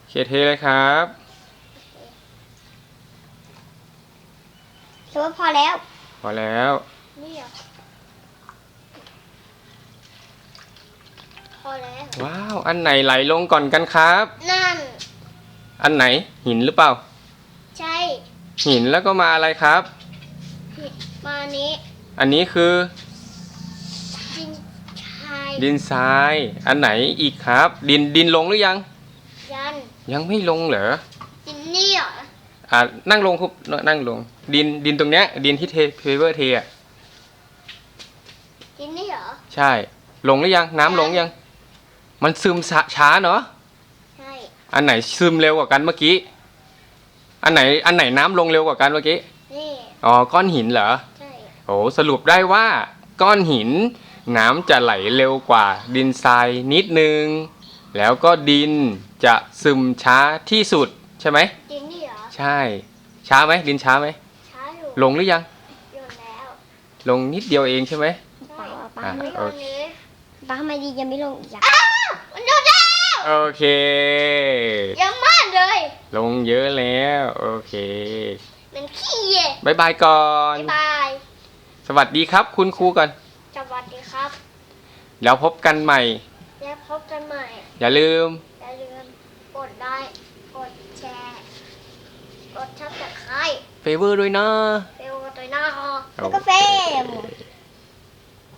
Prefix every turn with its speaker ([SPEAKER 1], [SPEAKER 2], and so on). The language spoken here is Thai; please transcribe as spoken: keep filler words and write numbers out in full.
[SPEAKER 1] เคเทเลยครับ
[SPEAKER 2] ถือว่าพอแล้ว
[SPEAKER 1] พอแล้ว
[SPEAKER 2] นี่เหรอพอแล้ว
[SPEAKER 1] ว้าวอันไหนไหลลงก่อนกันครับ
[SPEAKER 2] นั่น
[SPEAKER 1] อันไหนหินหรือเปล่า
[SPEAKER 2] ใช่
[SPEAKER 1] หินแล้วก็มาอะไรครับ
[SPEAKER 2] มานี้
[SPEAKER 1] อันนี้คือ
[SPEAKER 2] ดินทราย
[SPEAKER 1] ดินทรายอันไหนอีกครับดินดินลงหรือยัง
[SPEAKER 2] ยัน
[SPEAKER 1] ยังไม่ลงเหรอ
[SPEAKER 2] ดินนี่เหรอ
[SPEAKER 1] อ่านั่งลงครับนั่งลงดินดินตรงเนี้ยดินที่เทเพเวอร์เทอ่ะ
[SPEAKER 2] ดินนี่เหรอ
[SPEAKER 1] ใช่ลงหรือยังน้ำลงยังมันซึมช้าเนาะ
[SPEAKER 2] ใช่
[SPEAKER 1] อันไหนซึมเร็วกว่ากันเมื่อกี้อันไหนอันไหนน้ำลงเร็วกว่ากันเมื่อกี้
[SPEAKER 2] นี่
[SPEAKER 1] อ๋อก้อนหินเหรอ
[SPEAKER 2] ใช่
[SPEAKER 1] โอ้สรุปได้ว่าก้อนหินน้ำจะไหลเร็วกว่าดินทรายนิดนึงแล้วก็ดินจะซึมช้าที่สุดใช่ไหม
[SPEAKER 2] ดินนี่เหรอ
[SPEAKER 1] ใช่ช้าไหมดินช้าไหม
[SPEAKER 2] ช้าอยู่
[SPEAKER 1] ลงหรือยัง
[SPEAKER 2] โยนแล้ว
[SPEAKER 1] ลงนิดเดียวเองใช่ไหม
[SPEAKER 2] ใช่ป้า
[SPEAKER 1] อ่ะ
[SPEAKER 2] ไม่โย
[SPEAKER 1] โอน เค
[SPEAKER 2] นี้ป้าทำไมดียังไม่ลงอีกอ่ะอ้าวมันโยนแล้ว
[SPEAKER 1] โอเค
[SPEAKER 2] เยอะมากเลย
[SPEAKER 1] ลงเยอะแล้วโอเค
[SPEAKER 2] มันขี้เย่
[SPEAKER 1] บายบายก่อน
[SPEAKER 2] บ๊ายบาย
[SPEAKER 1] สวัสดีครับคุณครูก่อน
[SPEAKER 2] สวัสดีครับ
[SPEAKER 1] แล้วพบกันใหม่
[SPEAKER 2] แล้วพบกันใหม่
[SPEAKER 1] อย่าลืม
[SPEAKER 2] อย่าลืมกดไลค์กดแชร์กดซับสไครบ์
[SPEAKER 1] เฟเวอร์ด้วยนะ
[SPEAKER 2] เฟลตัวหน้าฮอแล้วก็เฟม